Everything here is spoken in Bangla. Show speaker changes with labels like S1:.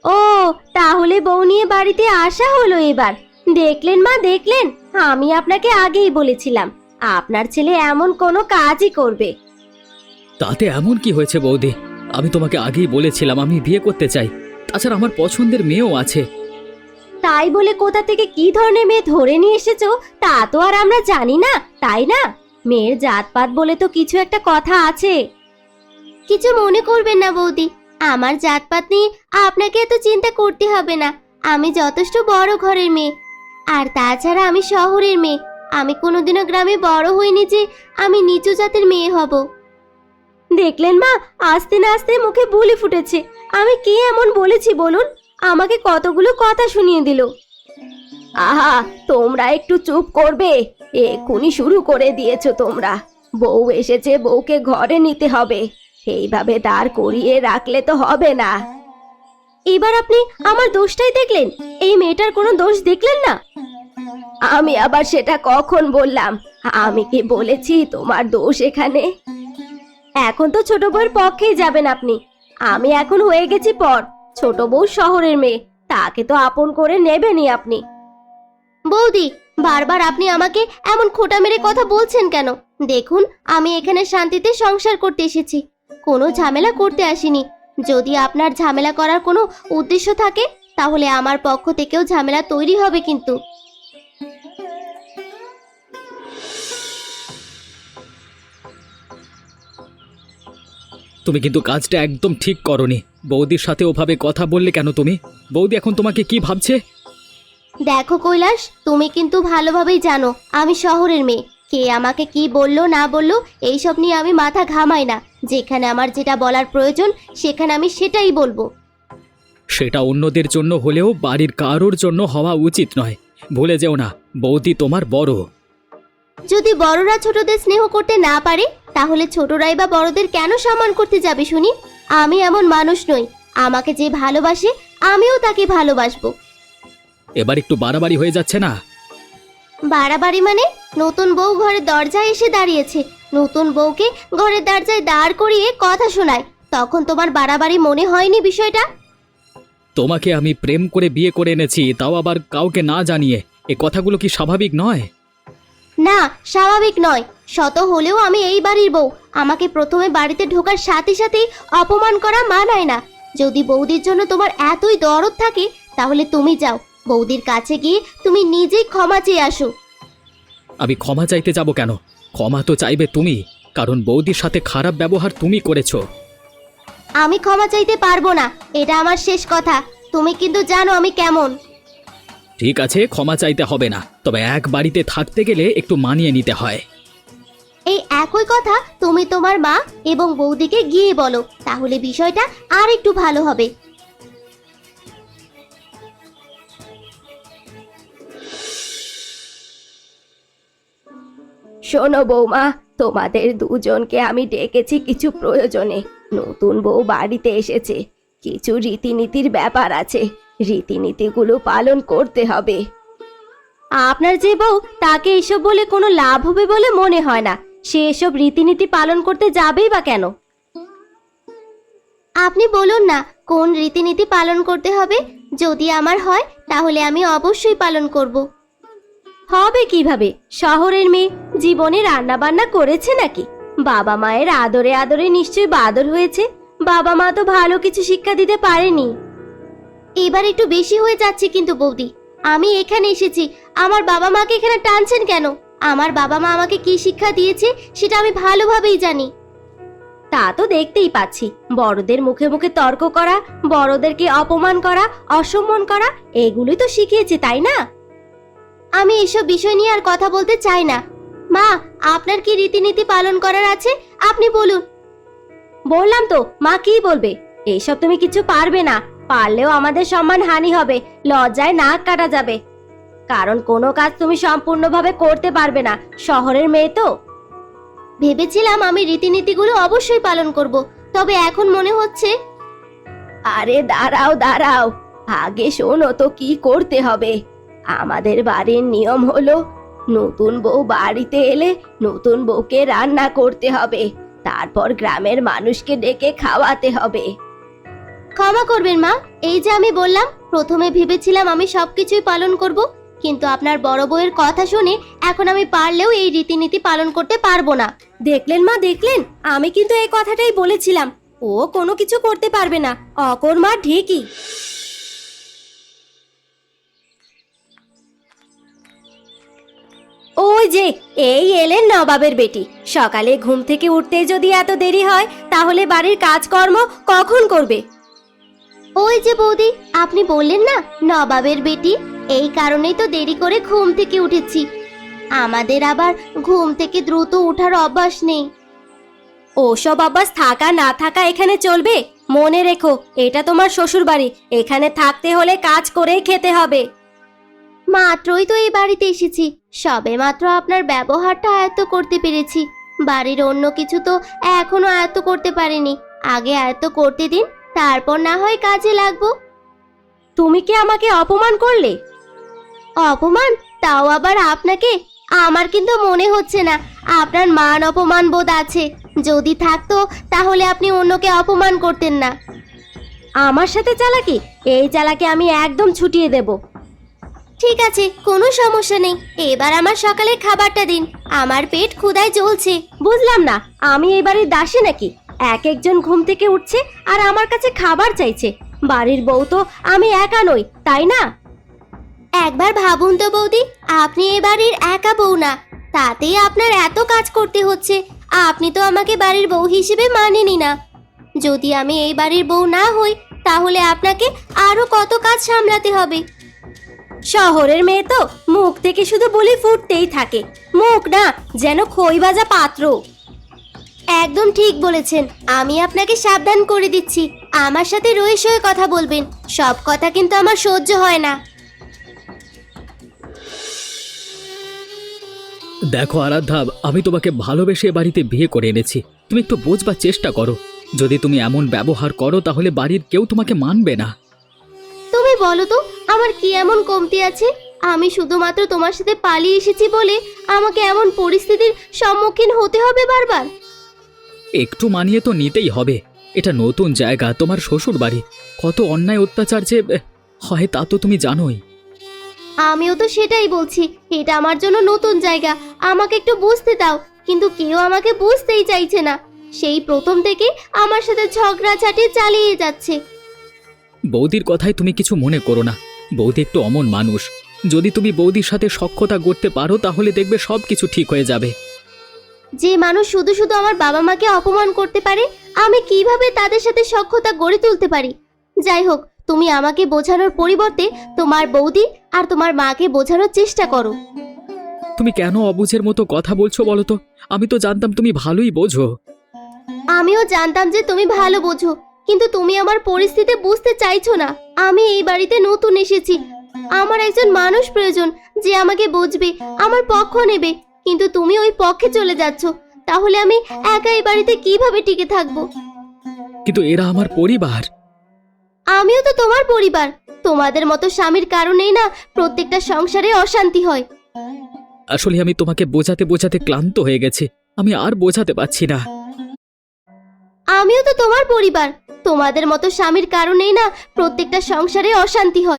S1: ও, তাহলে বউ নিয়ে বাড়িতে আসা হলো এবার। দেখলেন মা, দেখলেন, আমি আপনাকে আগেই বলেছিলাম আপনার ছেলে এমন কোনো কাজই করবে।
S2: তাতে এমন কি হয়েছে বৌদি? আমি তোমাকে আগেই বলেছিলাম আমি বিয়ে করতে চাই। তাছাড়া আমার পছন্দের মেয়েও আছে।
S1: তাই বলে কোথা থেকে কি ধরনের মেয়ে ধরে নিয়ে এসেছো তা তো আর আমরা জানি না, তাই না? মেয়ের জাতপাত বলে তো কিছু একটা কথা আছে। কিছু মনে করবেন না বৌদি, আমার জাতপাত নিয়ে আপনাকে এত চিন্তা করতে হবে না। আমি যথেষ্ট বড় ঘরের মেয়ে, আর তাছাড়া আমি শহরের মেয়ে। আমি কোনোদিনও গ্রামে বড় হইনি যে আমি নিচু জাতের মেয়ে হব। দেখলেন মা, আস্তে না আস্তে মুখে বুলি ফুটেছে। আমি কি এমন বলেছি বলুন? আমাকে কতগুলো কথা শুনিয়ে দিল। আহা, তোমরা একটু চুপ করবে? এক্ষুনি শুরু করে দিয়েছো তোমরা। বউ এসেছে, বউকে ঘরে নিতে হবে, এইভাবে দাঁড় করিয়ে রাখলে তো হবে না। এবার আপনি আমার দোষটাই দেখলেন, এই মেয়েটার কোনো দোষ দেখলেন না। আমি আবার সেটা কখন বললাম? আমি কি বলেছি তোমার দোষ এখানে? এখন তো ছোট বউয়ের পক্ষেই যাবেন আপনি। আমি এখন হয়ে গেছি পর, ছোট বউ শহরের মেয়ে, তাকে তো আপন করে নেবেনই আপনি। বৌদি, বারবার আপনি আমাকে এমন খোঁটা মেরে কথা বলছেন কেন? দেখুন, আমি এখানে শান্তিতে সংসার করতে এসেছি, কোনো ঝামেলা করতে আসিনি। যদি আপনার ঝামেলা করার কোনো উদ্দেশ্য থাকে তাহলে আমার পক্ষ থেকেও ঝামেলা তৈরি হবে কিন্তু।
S2: তুমি কিন্তু কাজটা একদম ঠিক করনি। বৌদির সাথে ওভাবে কথা বললে কেন তুমি? বৌদি এখন তোমাকে কি ভাবছে?
S1: দেখো কৈলাস, তুমি কিন্তু ভালোভাবেই জানো আমি শহরের মেয়ে। কে আমাকে কি বললো না বললো এইসব নিয়ে আমি মাথা ঘামাই না। যেখানে আমার যেটা বলার প্রয়োজন সেখানে আমি সেটাই বলবো।
S2: সেটা অন্যদের জন্য হলেও বাড়ির কারোর জন্য হওয়া উচিত নয়। ভুলে যেও না, বৌদি তোমার বড়।
S1: যদি বড়রা ছোটদের স্নেহ করতে না পারে তাহলে ছোটরাই বা বড়দের কেন সম্মান করতে যাবে শুনি? আমি এমন মানুষ নই, আমাকে যে ভালোবাসে আমিও তাকে ভালোবাসবো।
S2: এবার একটু বাড়াবাড়ি হয়ে যাচ্ছে না?
S1: বাড়াবাড়ি মানে? নতুন বউ ঘরের দরজায় এসে দাঁড়িয়েছে, নতুন বউকে ঘরের দরজায় দাঁড় করিয়ে কথা শোনায়, তখন তোমার বাড়াবাড়ি মনে হয়নি বিষয়টা?
S2: তোমাকে আমি প্রেম করে বিয়ে করে এনেছি, তাও আবার কাউকে না জানিয়ে। এ কথাগুলো কি স্বাভাবিক নয়?
S1: না, স্বাভাবিক নয়। শত হলেও আমি এই বাড়ির বউ, আমাকে প্রথমে বাড়িতে ঢোকার সাথে সাথেই অপমান করা মানায় না। যদি বৌদির জন্য তোমার এতই দরদ থাকে তাহলে তুমি যাও, বৌদির কাছে গিয়ে তুমি নিজেই ক্ষমা চেয়ে আসো।
S2: আমি ক্ষমা চাইতে যাব কেন? ক্ষমা তো চাইবে তুমি, কারণ বৌদির সাথে খারাপ ব্যবহার তুমি করেছো।
S1: আমি ক্ষমা চাইতে পারবো না, এটা আমার শেষ কথা। তুমি কিন্তু জানো আমি কেমন।
S2: ঠিক আছে, ক্ষমা চাইতে হবে না, তবে এক বাড়িতে থাকতে গেলে একটু মানিয়ে নিতে হয়।
S1: এই একই কথা তুমি তোমার মা এবং বৌদিকে গিয়ে বলো, তাহলে বিষয়টা আর একটু ভালো হবে। শোনো বৌমা, তোমাদের দুজনকে আমি ডেকেছি কিছু প্রয়োজনে। নতুন বউ বাড়িতে এসেছে, কিছু রীতিনীতির ব্যাপার আছে, রীতিনীতিগুলো পালন করতে হবে। আপনার যে বউ, তাকে এসব বলে কোনো লাভ হবে বলে মনে হয় না। সে এসব রীতিনীতি পালন করতে যাবেই বা কেন? আপনি বলুন না কোন রীতিনীতি পালন করতে হবে। যদি আমার হয় তাহলে আমি অবশ্যই পালন করব। হবে কিভাবে? শহরের মেয়ে, জীবনে রান্না বান্না করেছে নাকি? বাবা মায়ের আদরে আদরে নিশ্চয়ই বাদর হয়েছে। বাবা মা তো ভালো কিছু শিক্ষা দিতে পারেনি। এবার একটু বেশি হয়ে যাচ্ছে কিন্তু বৌদি। আমি এখানে এসেছি, আমার বাবা মাকে এখানে টানছেন কেন? আমার বাবা মা আমাকে কি শিক্ষা দিয়েছে সেটা আমি ভালোভাবেই জানি। তা তো দেখতেই পাচ্ছি, বড়দের মুখে মুখে তর্ক করা, বড়দেরকে অপমান করা, অসম্মান করা, এগুলোই তো শিখিয়েছে, তাই না? আমি এসব বিষয় নিয়ে আর কথা বলতে চাই না। মা, আপনার কি রীতিনীতি পালন করার আছে আপনি বলুন। বললাম তো, মা কি বলবে? এইসব তুমি কিছু পারবে না, পারলেও আমাদের সম্মান হানি হবে, লজ্জায় নাক কাটা যাবে। কারণ কোনো কাজ তুমি সম্পূর্ণভাবে করতে পারবে না, শহরের মেয়ে তো। ভেবেছিলাম আমি রীতিনীতিগুলো অবশ্যই পালন করব, তবে এখন মনে হচ্ছে। আরে দাঁড়াও দাঁড়াও, আগে শোনো তো কি করতে হবে। আমাদের বাড়ির নিয়ম হলো নতুন বউ বাড়িতে এলে নতুন বউকে রান্না করতে হবে, তারপর গ্রামের মানুষকে ডেকে খাওয়াতে হবে। ক্ষমা করবেন মা, এই যে আমি বললাম প্রথমে ভেবেছিলাম আমি সবকিছুই পালন করব, কিন্তু আপনার বড় বউয়ের কথা শুনে এখন আমি পারলেও এই রীতিনীতি পালন করতে পারবো না। দেখলেন মা, দেখলেন, আমি কিন্তু এই কথাটাই বলেছিলাম ও কোনো কিছু করতে পারবে না, অকর্মা ঠিকই। ওই যে এই এলেন নবাবের বেটি। সকালে ঘুম থেকে উঠতে যদি এত দেরি হয় তাহলে বাড়ির কাজকর্ম কখন করবে? ওই যে বৌদি, আপনি বললেন না নবাবের বেটি, এই কারণেই তো দেরি করে ঘুম থেকে উঠেছি। আমাদের আবার ঘুম থেকে দ্রুত ওঠার অভ্যাস নেই। ওসব অভ্যাস থাকা না থাকা এখানে চলবে? মনে রেখো, এটা তোমার শ্বশুর বাড়ি, এখানে থাকতে হলে কাজ করেই খেতে হবে। মাত্রই তো এই বাড়িতে এসেছি, সবে মাত্র আপনার ব্যবহারটা আয়ত্ত করতে পেরেছি। বাড়ির অন্য কিছু তো এখনো আয়ত্ত করতে পারিনি, আগে আয়ত্ত করতে দিন, তারপর না হয় কাজে লাগবো। তুমি কি আমাকে অপমান করলে? অপমান? তাও আবার আপনাকে? আমার কিন্তু মনে হচ্ছে না আপনার মান অপমান বোধ আছে। যদি থাকতো তাহলে আপনি অন্যকে অপমান করতেন না। আমার সাথে চালাকি? এই চালাকি আমি একদম ছুটিয়ে দেব। ঠিক আছে, কোনো সমস্যা নেই, এবার আমার সকালের খাবারটা দিন, আমার পেট ক্ষুধায় জ্বলছে। বুঝলাম না, আমি এই বাড়ির দাসী নাকি? এক একজন ঘুম থেকে উঠছে আর আমার কাছে খাবার চাইছে। বাড়ির বউ তো আমি একা নই, তাই না? একবার ভাবুন তো বৌদি, আপনি এ বাড়ির একা বউ না, তাতেই আপনার এত কাজ করতে হচ্ছে। আপনি তো আমাকে বাড়ির বউ হিসেবে মানেনই না। যদি আমি এই বাড়ির বউ না হই তাহলে আপনাকে আরো কত কাজ সামলাতে হবে। শহরের মেয়ে তো মুখ থেকে শুধু বলি ফুটতেই থাকে, মুখ না যেন খই ভাজা পাত্র। একদম ঠিক বলেছেন, আমি আপনাকে সাবধান করে দিচ্ছি, আমার সাথে রয়ে সয়ে কথা বলবেন, সব কথা কিন্তু আমার সহ্য হয় না।
S2: দেখো আরাধ্যা, আমি তোমাকে ভালোবেসে এ বাড়িতে বিয়ে করে এনেছি, তুমি একটু বোঝবার চেষ্টা করো। যদি তুমি এমন ব্যবহার করো তাহলে বাড়ির কেউ তোমাকে মানবে না।
S1: তুমি বলো তো, আমার কি এমন কমতি আছে? আমি শুধুমাত্র তোমার সাথে পালিয়ে এসেছি বলে আমাকে এমন পরিস্থিতির সম্মুখীন হতে হবে বারবার?
S2: একটু মানিয়ে তো নিতেই হবে, এটা নতুন জায়গা, তোমার শ্বশুর বাড়ি, কত অন্যায় অত্যাচার যে হয় তা তো তুমি জানোই।
S1: আমিও তো সেটাই বলছি, এটা আমার জন্য নতুন জায়গা, আমাকে একটু বুঝতে দাও, কিন্তু কেউ আমাকে বুঝতেই চাইছে না। সেই প্রথম থেকে আমার সাথে ঝগড়াঝাটি চালিয়ে যাচ্ছে।
S2: বৌদির কথায় তুমি কিছু মনে করো না, বৌদি একটু অমন মানুষ, যদি তুমি বৌদির সাথে সখ্যতা করতে পারো তাহলে দেখবে সব কিছু ঠিক হয়ে যাবে।
S1: যে মানুষ শুধু শুধু আমার বাবা মাকে অপমান করতে পারে, আমি কিভাবে তাদের সাথে সখ্যতা গড়ে তুলতে পারি? যাই হোক, তুমি আমাকে বোঝানোর পরিবর্তে তোমার বৌদি আর তোমার মাকে বোঝানোর চেষ্টা করো।
S2: তুমি কেন অবুঝের মতো কথা বলছো বলো তো? আমি তো জানতাম তুমি ভালোই বোঝো।
S1: আমিও জানতাম যে তুমি ভালো বোঝো, কিন্তু তুমি আমার পরিস্থিতি বুঝতে চাইছো না। আমি এই বাড়িতে নতুন এসেছি, আমার একজন মানুষ প্রয়োজন যে আমাকে বুঝবে, আমার পক্ষ নেবে, কিন্তু তুমি ওই পক্ষে চলে যাচ্ছ। তাহলে আমি একা এই বাড়িতে কিভাবে টিকে থাকবো?
S2: কিন্তু এরা আমার পরিবার।
S1: আমিও তো তোমার পরিবার, তোমাদের মতো স্বামীর কারণেই না প্রত্যেকটা সংসারে অশান্তি হয়।
S2: আসলে আমি তোমাকে বোঝাতে বোঝাতে ক্লান্ত হয়ে গেছি, আমি আর বোঝাতে পারছি না।
S1: আমিও তো তোমার পরিবার, তোমাদের মতো স্বামীর কারণেই না প্রত্যেকটা সংসারে অশান্তি হয়।